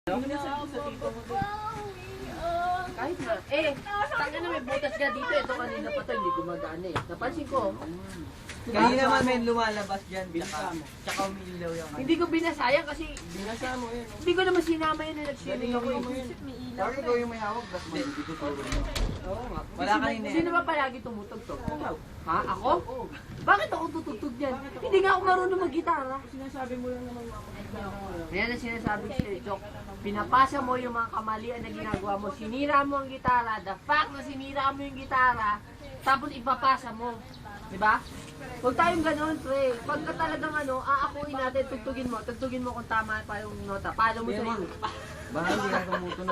Kahit na. Tangin na may butas ka dito. Ito kanina pa to, hindi gumagana eh. Napansin ko. Kanina naman may lumalabas dyan. Tsaka umiilaw yung Hindi ko binasayang kasi Binasa mo yun. hindi ko naman sinama yun na nag-swimming ako eh. Bakit ikaw yung may hawak? Tapos may ituturo mo. Oo nga. Wala kanina eh. Sino ba palagi tumutugtog? Ha? Ako? Bakit ako tutugtog dyan? Hindi nga ako marunong mag-gitara. Sinasabi mo lang naman ako. Yan ang sinasabi ko sa'yo, Chok. Pinapasa mo yung mga kamalian na ginagawa mo. Sinira mo ang gitara. The fact na sinira mo yung gitara, tapos ipapasa mo. Diba? Huwag tayong ganun, pre. Pagka talagang aakuin natin, tugtugin mo kung tama pa yung nota. Paano mo sa'yo? Baka hindi na tumutunog.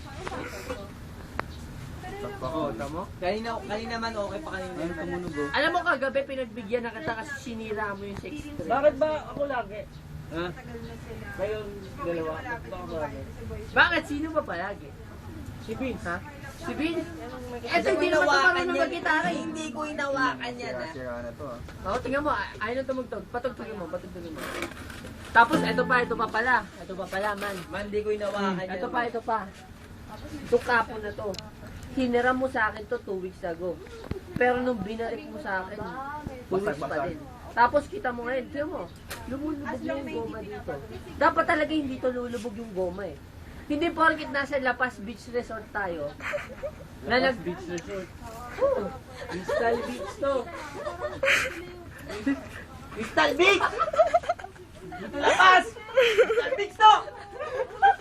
Bako, tamo? Kanina man okay pa kanina. Ayun tumunog. Alam mo kagabi, pinagbigyan na kita kasi sinira mo yung 6. Bakit ba ako lagi? Ha? Kayong dalawa? Baka ba? Bakit? Sino ba palagi? Si Vince. Ha? Si Vince? Ito hindi naman ito marunong mag-gitara eh. Hindi ko hinawakan yan ah. Sira na to ah. Oo, tingnan mo. Ayaw na tumugtog. Patugtugin mo. Tapos, ito pa pala. Ito pa pala, man. Man, hindi ko hinawakan yan. Ito pa. Itong kapon na to. Hiniram mo sa akin to 2 weeks ago. Pero nung binalik mo sa akin, 2 weeks pa din. Tapos kita mo ngayon, tingnan mo, lumulubog na yung goma dito. Dapat talaga hindi to lulubog yung goma eh. Hindi porkit nasa La Paz Beach Resort tayo. Na nag-beach resort. Oo. Crystal Beach to. Crystal Beach! Dito La Paz! Crystal Beach to!